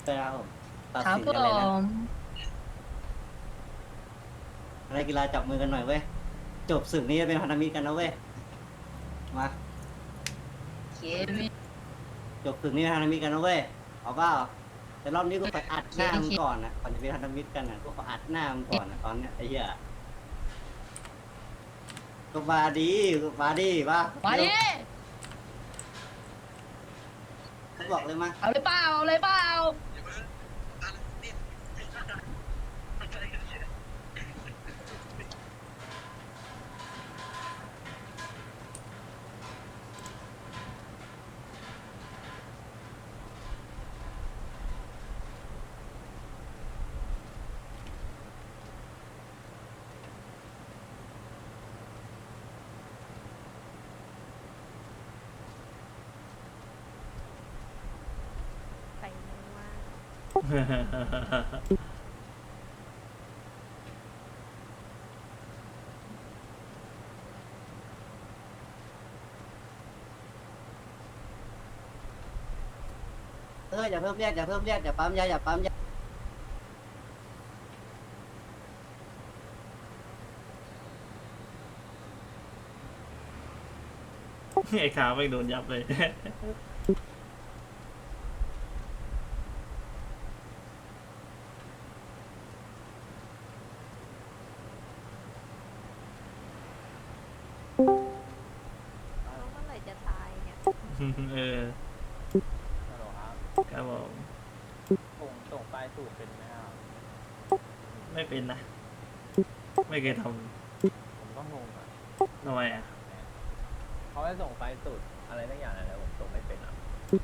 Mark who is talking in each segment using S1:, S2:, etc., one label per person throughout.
S1: ไปแล้วผมตัด
S2: ครับผ
S1: สินกันเลยนะ
S2: ม
S1: นักกีฬาจับมือกันหน่อยเว้ยจบศึกนี้จะเป็นพันธมิตรกันนะเว้ยมา
S2: เคมี
S1: จบศึกนี้เป็นพันธมิตรกันนะเว้ยเอาเปล่าแต่รอบนี้กูขออัดหน้ามึง
S2: เค
S1: ก่อนนะก่อนจะเป็นพันธมิตรกันนะกูขออัดหน้ามึงก่อนนะตอนเนี้ยไอ้เหี้ยก็มาดีก็มาดีป่ะ
S2: มาดิ
S1: เขาบอกเลยมา
S2: เอาเลยเปล่าเอาเลยเปล่า
S3: ใส่มือว่า
S1: อย่าเพิ่มเรียกอย่าเพิ่มเรียกอย่าปั๊มยาอย่าปั๊มยา
S4: ไอ้ขาไม่โดนยับเลย
S3: แล้วเมื่อไหร่จะตายเนี่ย
S4: เออ
S5: ฮัลโหลครับ
S4: ครับผม
S5: ผมส่งไฟล์สูตรเป็นไหมครับ
S4: ไม่เป็นนะ ไม่เคยท
S5: ผมก็งงอ่ะ
S4: ำทำไมอ่ะ
S5: เขาให้ส่งไฟล์สูตรอะไรทั้งอย่างอะไรผมส่งไม่เป็นอ่ะ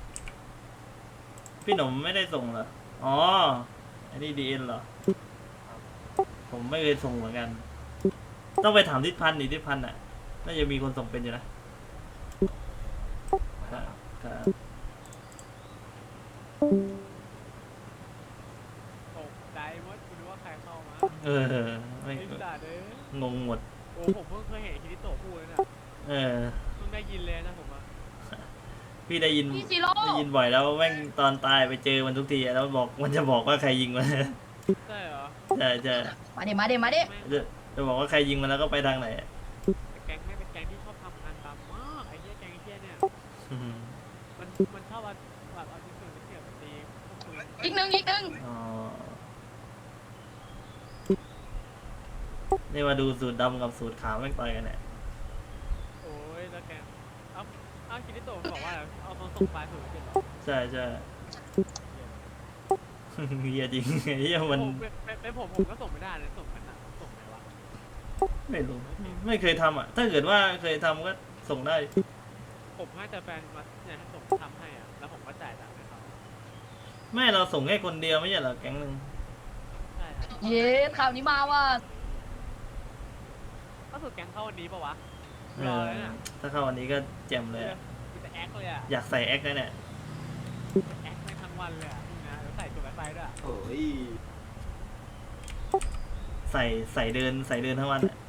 S4: พี่หนุ่มไม่ได้ส่งเหรอ อ๋อ อันนี้ดีเอ็นเหรอ ผมไม่เคยส่งเหมือนกัน ต้องไปถามทิศพันธ์ดิทิศพันธ์อ่ะ น่าจะมีคนส่งเป็นอยู่นะ ครับครับ
S6: ตกใจมดคุณรู้ว่าใครเข้ามา
S4: เออ ไม่
S6: ไอ้สัตว์เอ้ย
S4: งงหมด
S6: โอ้ผมเพิ่งเคยเห็นคิริโตะพูดเลยนะ
S4: เออ
S6: เพิ่งได้ยินเลยนะผมอะ
S4: พี่ได้ยิน
S2: พี่ซีโร่
S4: ได้ยินบ่อยแล้วแม่งตอนตายไปเจอมันทุกทีอะแล้วบอกมันจะบอกว่าใครยิงมัน
S6: ใช่เหรอ
S4: ใช่ใช่
S2: มาดิมาดิมาดิ
S6: แม่ง
S4: จะบอกว่าใครยิงมันแล้วก็ไปทางไหนอะ
S6: แก๊งไม่เป็นแก๊งที่ชอบทำงานดำมากไอ้เหี้ยแก๊งไอ้เหี้ยเนี่ย
S4: อืม
S6: มันชอบเอาแบบเอาชิ้นส่วนไปเสียบไปตีพวกปืน
S2: อีกหนึ่งอีกหนึ่ง
S4: อ๋อนี่มาดูสูตรดำกับสูตรขาวแม่งต่อยกันเนี่ย
S6: โอ้ยแล้วแกเอาคิริโตะมันบอกว่าเอามาส่งไฟล์สูตรเป็นเหรอ
S4: ใช่ใช่ เฮียจริงเฮียมัน
S6: เป็นผมก็ส่งไม่ได้เลยส่งกันอะส่งไหนวะ
S4: ไม่รู้ไม่เคยทำอ่ะ ถ้าเกิดว่าเคยทำก็ส่งได้
S6: ผมให้แต่แฟนมาเนี่ยให้ส่งทำให้อ่ะแล้วผมก็จ่ายตังค์ให้เขา
S4: ไม่เราส่งแค่คนเดียวไม่ใช่เหรอแก๊งหนึ่ง
S6: ใช่ครับ
S2: เย้ข่าวนี้มาว่า
S6: ก็สุดแก๊งเข้าวันนี้ปะวะ
S4: เอ
S6: รอ
S4: อ
S6: เลยน่ะ
S4: ถ้าเข้าวันนี้ก็แจ่มเลยอะ
S6: มีแต่แอคเลยอ่ะ
S4: อยากใส่แอคนะเนี่ย
S6: แอคไม่ทั้งวันเลยอ่ะนี่นะแล้วใส่ตัวไฟด้วยอะ
S1: โอ้ย
S4: ใส่เดินทั้งวันอะ